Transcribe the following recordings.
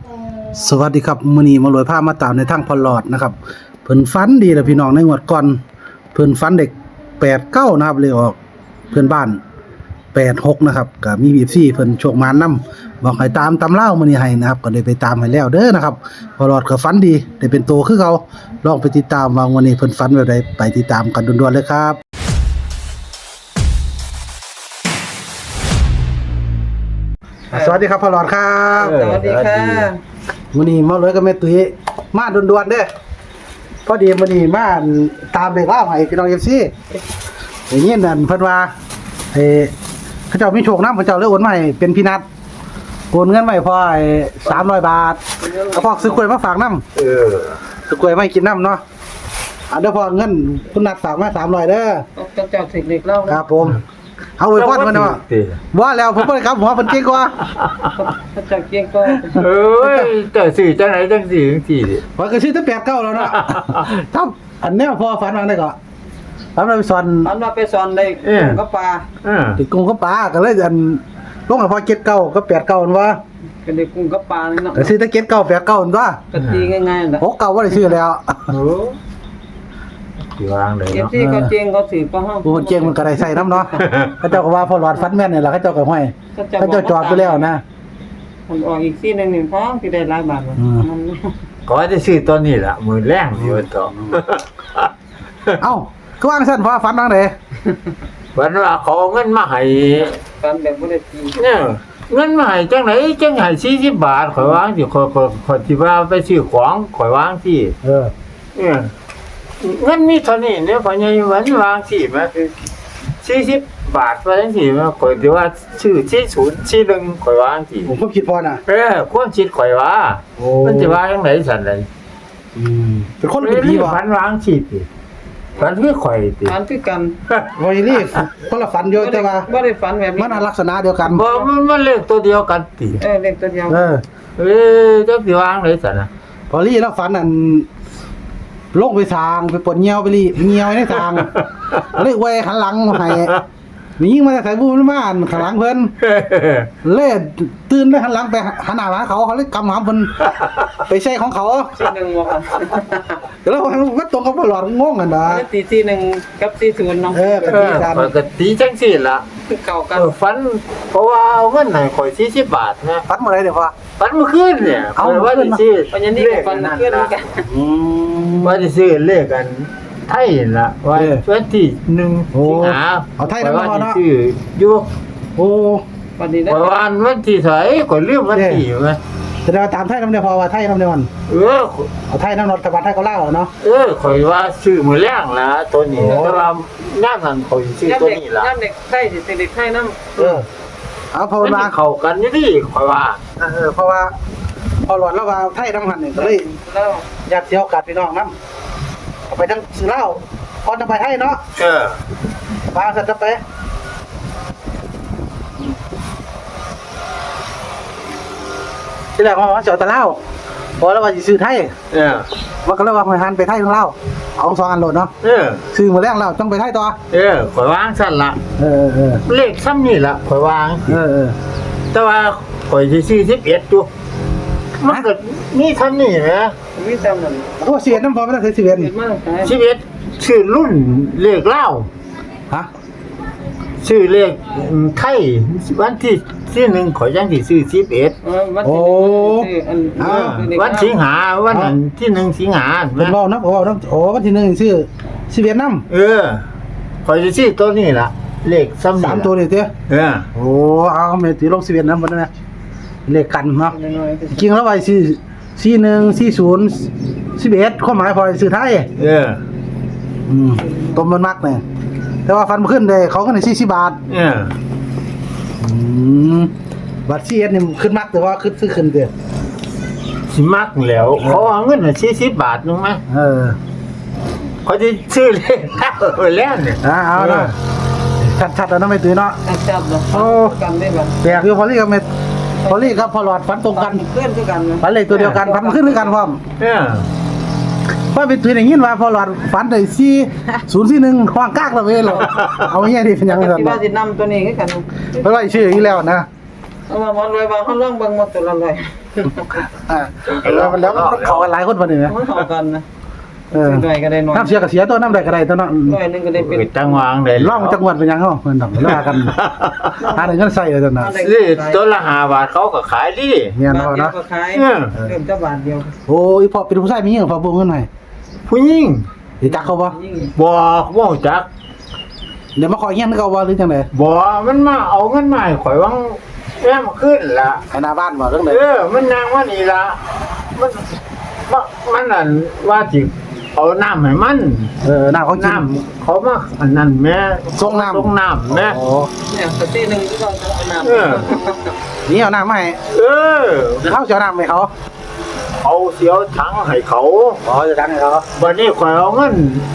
สวัสดีครับมื้อนี้มาลอยผ้ามาตามในทางพอลอดนะครับเพิ่นฝันดีแล้วพี่น้องในงวดก่อนเพิ่นฝันเด็ก89นะครับเลยออกเพื่อนบ้าน86นะครับก็มี FC เพิ่นโชคมานำบอกให้ตามตำเล่ามื้อนี้ให้นะครับก็เลยไปตามให้แล้วเด้อนะครับพอลอดก็ฝันดีได้เป็นโตคือเขาลองไปติดตามว่าวันนี้เพิ่นฝันแบบใดไปติดตามกันด่วนๆเลยครับสวัสดีครับพอลอดครับสวัสดีค่ะมื้อนี้มาเลยกับแม่ตุ้ยมาด่วนๆเด้อพอดีมื้อนี้มาตามเลขเล่าให้พี่น้อง FC อย่างนี้นั่นเพิ่นว่าเขาเจ้ามีโชคนำเขาเจ้าเลยโอนมาให้เป็นพี่นัดโอนเงินมาให้พ่อ300 บาทก็พอซื้อกล้วยมาฝากนำซื้อกล้วยมาให้กินนำเนาะเดี๋ยวพอเงินคุณนัดฝากมา300เด้อเจ้าถึงเด็กเล่าครับผมเอาไว้พอดเพิ่นเนาะบ่แล้วผมบ่ได้ครับหัวเพิ่นเก่งกว่าเจ้าเกียงก็เอ้ยแต่สี่จังไหนจังสี่จังสี่ดิว่าก็ชื่อตั้ง89แล้วเนาะครับอันแนวพอฝันว่าได้ก็ฝันว่าไปสอนอันว่าไปสอนได้ก็ปลาติกุ้งกับปลาก็เลยอันลงให้พอ79ก็89นั่นว่าก็ได้กุ้งกับปลานี่เนาะก็ซื้อตั้ง79 89นั่นว่าก็ตีง่ายๆนะ 69บ่ได้ซื้อแล้วโอ้อยู่วางเลยเอฟเนาะซีเขาเจียงเขาถือก็ห้องผู้คนเก่งมันก็ได้ใส่น้ำเนาะเขาเจ้าก็ว่าพอหลอดฟันแม่นนี่ล่ะเขาเจ้าก็ห้อยเขาเจ้าจอดไปแล้วนะมันออกอีกซี่นึง1ท้องที่ได้หลายบาทมันก็ได้ซื้อตัวนี้ล่ะมือแรงอยู่ต่อเอ้าคือว่าซั่นพอฝันว่าไดวันว่าเขาเอาเงินมาให้กันแบบบ่ได้ตีเนี่ยเงินมาให้จังไหนจังให้40 บาทข่อยวางสิข่อยสิว่าไปซื้อของข่อยวางสิเออเนี่ยเงินมีเท่านี้เนี่ยพ่อใหญ่วันวางสิมา40 บาทว่าจังซี่มาข่อยสิว่าซื้อ40 41ข่อยวางสิผมก็คิดพอน่ะความคิดข่อยว่าโอ้มันจะว่าจังไดสั่นไดเป็นคนเป็นผีบ่ฝันวางสิติฝันคือข่อยติอันคือกันบ่อีนี่คนละฝันอยู่แต่ว่าบ่ได้ฝันแบบนี้มันลักษณะเดียวกันบ่มันเลขตัวเดียวกันติเล็กตัวเดียวเออจักสิวางไดสั่นน่ะพอลี่แล้วฝันอันลงไปสางไปปวดเหี่ยวไปลี่เหี่ยวในสางเลยไว้หันหลังให้มียิงมาแต่ใส่บูมมาข้างหลังเพิ่นเล่ตื่นเลยหันหลังไปหันหน้าหาเขาเลยกำหามเพิ่นไปใช้ของเขาซี่นึงบ่ค่ะแล้วมันตรงกับหลอดงงกันนะตีซี่นึงกับซี่ศูนย์เนาะเออกะทิกันปกติจังซี่ล่ะคือเก่ากันฝันเพราะว่าเอาเงินให้ข่อย40 บาทนะฟัดมาได้เดี๋ยวพอฝันเมื่อคืนเนี่ยเอาข่อยว่าเมื่อคืนสิปัญญานี่กับฟันเพื่อนกันว่าสิซื้อเลขกันไทยล่ะว่าวันที่1 โอ้สิงหาเอาไทยนำมาเนาะซื้ออยู่โอ้วันนี้ได้ข่อยว่าวันที่เท่าไหร่ข่อยลืมวันที่อยู่มั้ยแสดงว่าตามไทยน้ำเดียวพอว่าไทยน้ำเดียวมันเออเอาไทยน้ำนอตะวันไทยก็เล่าเนาะข่อยว่าซื้อมือแรงละตัวนี้โอ้แต่ว่าย่ามนั้นข่อยซื้อตัวนี้ละย่ำเด็กไข่สิเด็กไข่น้ำเออเอาพอมันมาเข้ากันอยู่ดิข่อยว่าเพราะว่าพอหลอดแล้วว่าไทยน้ำหันเนี่ยก็เลยแล้วอยากเที่ยวกัดพี่น้องน้ำเอาไปทั้งซื้อเหล้าพอจะไปให้เนาะเออปลาสัตว์จะไปที่แรกว่าจะเอาแต่เหล้าพอแล้วว่าจะซื้อไทยเออว่าก็เลยว่าไปหันไปไทยของเหล้าเอา2 อันโหลดเนาะเออซื้อมาแรงแล้วต้องไปไทยต่อข่อยวางสั่นละเออเลขซ้ำนี่ละข่อยวางเออแต่ว่าข่อยสิซื้อ11อยู่มันก็มีซ้ำนี่นะมีจำนั่นโอ้เสียน้ำพอไม่ต้องเสียเสียนเกิดมาใช่ 11ชื่อรุ่นเลขเล่าฮะชื่อเลขไทยวันที่1ข่อยยังสิซื้อ11 วันโอ้ที่อันวันสิงหาวันนั้นที่1สิงหาเป็นเบาน้ำโอ้น้ำโอ้วันที่1ซื้อสิเวียดนามข่อยจะซื้อตัวนี้ล่ะเลขซ้ำนี่ 3 ตัวนี่เตี้ย โอ้เอาเมตีลงสิเวียดนามบ่ได้นะเลขกันเนาะน้อยจริงแล้วไว้41 40 11ความหมายพอซื้อไทยต้มมันมักเนี่ยแต่ว่าฟันขึ้นได้เขาก็ได้40 บาทบัตร41นี่ขึ้นมักแต่ว่าขึ้นซื้อขึ้นเด้อสิมักแล้วเขาเอาเงิน40 บาทนึงมั้ย เขาจะซื้อเลขแล้วเนี่ยเอาเนาะชัดๆแล้วเนาะไม่ตื่นเนาะๆจับเลยกันได้บ่แปลกอยู่พอลี่กับเม็ดพอลี่กับพอหลอดฟันตรงกันเพื่อนคือกันฟันเลขตัวเดียวกันฟันขึ้นด้วยกันพร้อมว่าเป็นตัวอย่างนี้ว่าพอหลอดฟันได้4041ควางกากละเว้ยหรอเอาอย่างนี้ดิเป็นยังไงที่กันว่าสินำตัวนี้คือกันเพราะว่าชื่ออย่างนี้แล้วนะเอามาหมดเลยว่าเขาลองเบิ่งหมดตัวละร้อยแล้วมันเขากันหลายคนบ่นี่นะมันเข้ากันนะเออซื้อหน่อยก็ได้หน่อยน้ำเสียก็เสียตัวน้ำใดก็ได้ตัวเนาะร้อยหนึงก็ได้เป็นจังหวางได้ร่องจังหวัดเป็นยังเฮาเพิ่นดอกว่ากันหาได้เงินใส่เลยตัวน่ะนี่ตัวละ5 บาทเขาก็ขายดิเมียนบาทเฮาเดียวเนาะก็ขายเออเริ่มจะบาทเดียวโอ้ยพ่อเป็นผู้ชายมีหยังพ่อบ่เงินให้ผู้หญิงสิจักเขาบ่ยิ่งบอกว่าจักเดี๋ยวมาขอเฮียนเขาบ่หรือจังได๋บอกมันมาเอาเงินมาให้ข่อยวังแม่มาขึ้นละให้หน้าบ้านบ่จังได๋มันนางว่านี่ละมันนั่นว่าจิเอาน้ำให้มันน้ำเขากินน้ำเขามาอันนั้นแม่ส่งน้ำส่งน้ำแม่โอ้เนี่ยสตีหนึงที่เขาจะเอาน้ำเออนี่เอาน้ำมาให้เออเดี๋ยวเขาจะเอาน้ำให้เขาเอาเสียวถังให้เขาอ๋อจะดังให้เขาวันนี้ข่อยเอาเงิน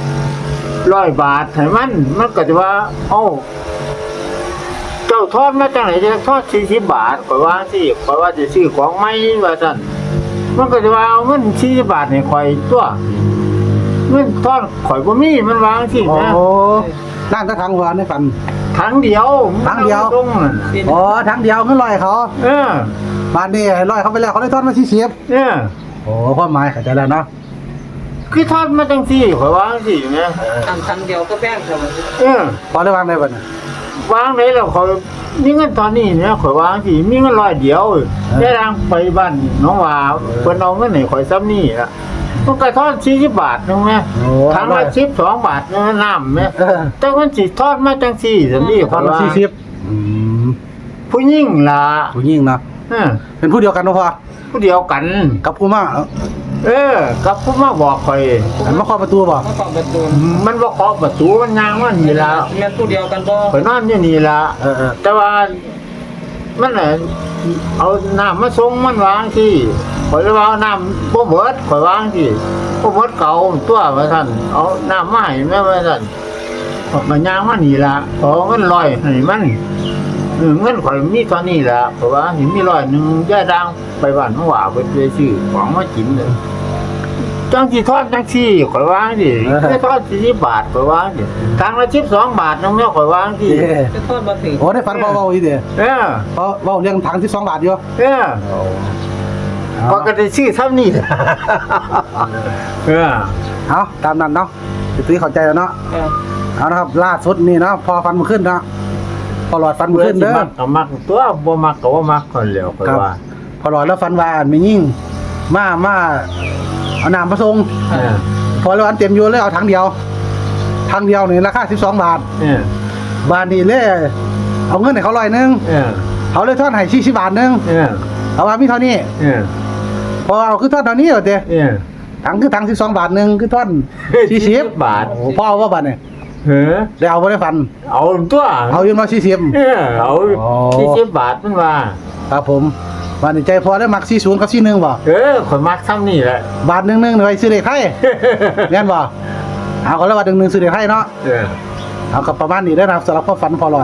100 บาทให้มันก็จะว่าเอ้าเจ้าทอดมาจากไหนจะทอด40 บาทข่อยว่าสิข่อยว่าจะซื้อของใหม่ว่าซั่นมันก็จะว่าเอาเงิน40 บาทให้ข่อยตัวเงินทอดข่อยบ่มีมันวางสิโอ้นะน้ำจะทางหัวในฝันถังเดียวถังเดียวตรงนั้นอ๋อทางเดียวเงินลอยเขาเออบ้านนี้ให้ลอยเขาไปแล้วเขาได้ทอดมา40 เออโอ้ความหมายเข้าใจแล้วเนาะคือทอดมาจังซี่ข่อยวางสิแม่อันเดียวก็แบ่งกันเออพอได้วางได้บ่เนี่ยวางได้แล้วข่อยมีเงินตอนนี้เนี่ยข่อยวางสิมีเงิน100เดียวได้ทางไปบ้านน้องว่าเพิ่นเอาเงินให้ข่อยซ้ำนี่ล่ะมันก็ทอด40 บาทนึงแม่โอ้ถังละ12 บาทนึงน้ำแม่เออแต่มันสิทอดมาจังซี่ซั่นนี่ทข่ออดยมาว่า 40 ผู้หญิงล่ะผู้หญิงเนาะเออเป็นผู้เดียวกันบ่พอผู้เดียวกันกับผู้มาเออกับผู้มาบอกข่อยอันมาเคาะประตูบ่มาขอบประตูมันบ่เคาะประตูมันย่างมันนี่ล่ะแม่นผู้เดียวกันบ่ข่อยนอนอยู่นี่ล่ะเออแต่ว่ามันน่ะเอาน้ำมาส่งมันวางที่ข่อยเลยว่าเอาน้ำบ่เบิดข่อยวางที่บ่เบิดเก่าตัวว่าซั่นเอาน้ำมาให้แม่ว่าซั่นข่อยก็ย่างมันนี่ล่ะขอเงินร้อยให้มันเงินข่อยมีเท่านี้ล่ะเพราะว่าเห็นมีร้อยหนึงย่าดังไปบ้านน้องหว่าเพิ่นไปซื้อของมากินเลยจังสิทอดจังซี่ข่อยวางดิไม่ทอด40 บาทข่อยวางดิทางละ12 บาทนึงแม่ข่อยวางดิเออจะทอดบ่ถึงโอ้ได้ฝันพอเว้าอีเด้อเออเพราะเว้าเรื่องถัง12บาทอยู่เออพอก็ได้ชื่อซ้ำนี่เออเอาตามนั้นเนาะสิตื้อเข้าใจแล้วเนาะเออเอานะครับล่าสุดนี่เนาะพอฟันมันขึ้นเนาะพอหลอดฟันมันขึ้นเด้อมักก็มักตัวบ่มักก็บ่มักคนแล้วค่อยครับว่าพอหลอดแล้วฟันว่าอันไม่ยิ่งมาเอาน้ำมาส่งเออพอแล้วอันเต็มอยู่เลยเอาถังเดียวนี่ราคา12บาทเออบาทนี่เลยเอาเงินให้เขา100นึงเออเขาเลยทอดให้40บาทนึงเออเอาว่ามีเท่านี้เออพอเอาคือทอดเท่านี้เหรอเด้เออถังคือถัง12บาทนึงคือทอด40 บาทโอ้พ่อเอาว่าบาทเนี่ยเออได้เอาบ่ได้ฟันเอาตัวเอาอยู่มา40 เออเอาอ๋อ 40 บาทมันว่าครับผมบาทนี่ใจพอได้มัก40กับ41บ่เออข่อยมักซ้ำนี่แหละบาทนึงนี่ไว้ซื้อเลขไทยแม่นบ่เอาก็แล้วบาทนึงซื้อเลขไทยเนาะเออเอากับประมาณนี้ได้อนะครับสำหรับความฝันพอหลอด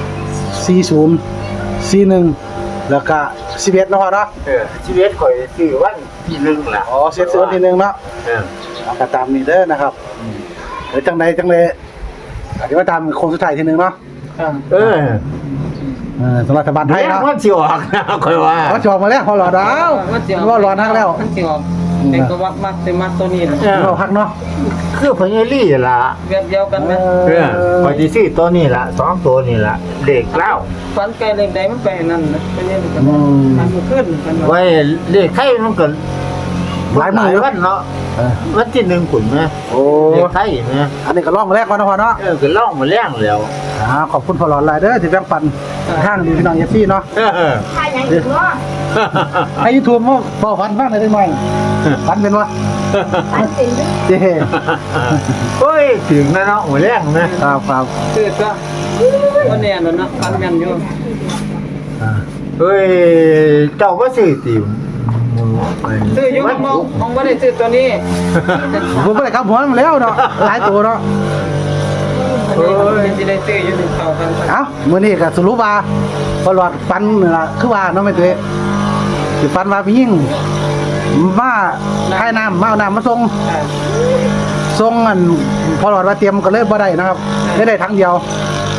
40 41แล้วก็11เนาะพ่อเนาะเออชีวิตข่อยชื่อวันที่1ล่ะอ๋อเสียทีนึงเนาะเออเอาก็ตามนี้เด้อนะครับเดี๋ยวจังใดจังเลยอาจจะมาตามโค้งสุดท้ายทีนึงเนาะเออสำหรับรัฐบาลไทยแม่งเนาะมันสิออกนะข่อยว่าเขาจองมาแล้วพอหลอดเอาว่าหลอดนักแล้วมันสิออกเป็นก็วักมักแต่มักตัวนี้นะเออเราพักเนาะคือพญาลี่ล่ะแบบเดียวกันไหมเออพอดีซื้อตัวนี้ละ2ตัวนี่ละเด็กเล่าฟันไก่เล็กใดมันไปนั่นนะไปนี่มันก็อืมมันขึ้นมันไว้เด็กไข่มันก็หลายมื้ออยู่วันเนาะเออวันที่1ขุนไหมโอ้เด็กไข่ไหมอันนี้ก็ล่องแรกก่อนนะพ่อเนาะก็ล่องมาแล้งแล้วขอบคุณพอหลอดหลายเด้อที่แบ่งปันทางดีพี่น้องเอฟซีเนาะถ่ายยังอีกเนาะไอ้ยูทูบมั้งพอฟันบ้างเลยได้ไหมฟันเป็นวะถ่ายเป็นด้วยเจ้โอ้ยถึงนะเนาะมาแล้งนะครับครับคือก็วันนี้นั่นนะฟันแม่นอยู่เฮ้ยเจ้าก็ซื้อติมซื้ออยู่มองบ่ได้ซื้อตัวนี้ผมไม่ได้ขับหัวมันแล้วเนาะหลายตัวเนาะอันนี้สิได้ซื้ออยู่ที่เข้ากันเอ้ามื้อนี้ก็สรุปว่าพอหลอดฟันนี่ล่ะคือว่าเนาะแม่ตุ้ยสิฟันว่าพี่ยิ่งมาให้น้ำมาเอาน้ำมาส่งอันพอหลอดว่าเตรียมก็เลยบ่ได้นะครับได้ถังเดียวเอา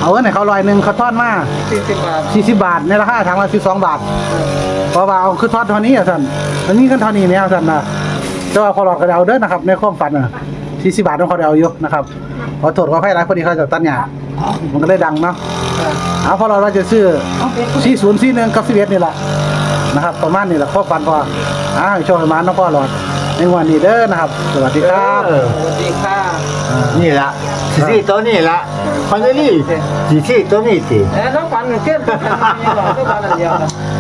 เอาเงินให้เขา100เขาทอนมา 40 บาท 40 บาทในราคาถังละ12 บาทเพราะว่าเอาคือทอดเท่านี้อ่ะท่านอันนี้กันเท่านี้เนี่ยท่านนะแต่ว่าพอหลอดก็เอาเด้อนะครับในความฝันน่ะ40 บาทต้องเขาเอาอยู่นะครับขอโทษขออภัยหลายพอดีเขาจะตัดหญ้ามันก็เลยดังเนาะเอาพอเราจะซื้อ4041กับ11นี่แหละนะครับประมาณนี้แหละความฝันพอให้โชคให้มาน้องพ่อหลอดในงวดนี้เด้อนะครับสวัสดีครับสวัสดีค่ะนี่ละสีตัวนี้ละคอนเนอรี่สีตัวนี้สิน้องฝันเกินไปแล้วน้องฝันอันเดียว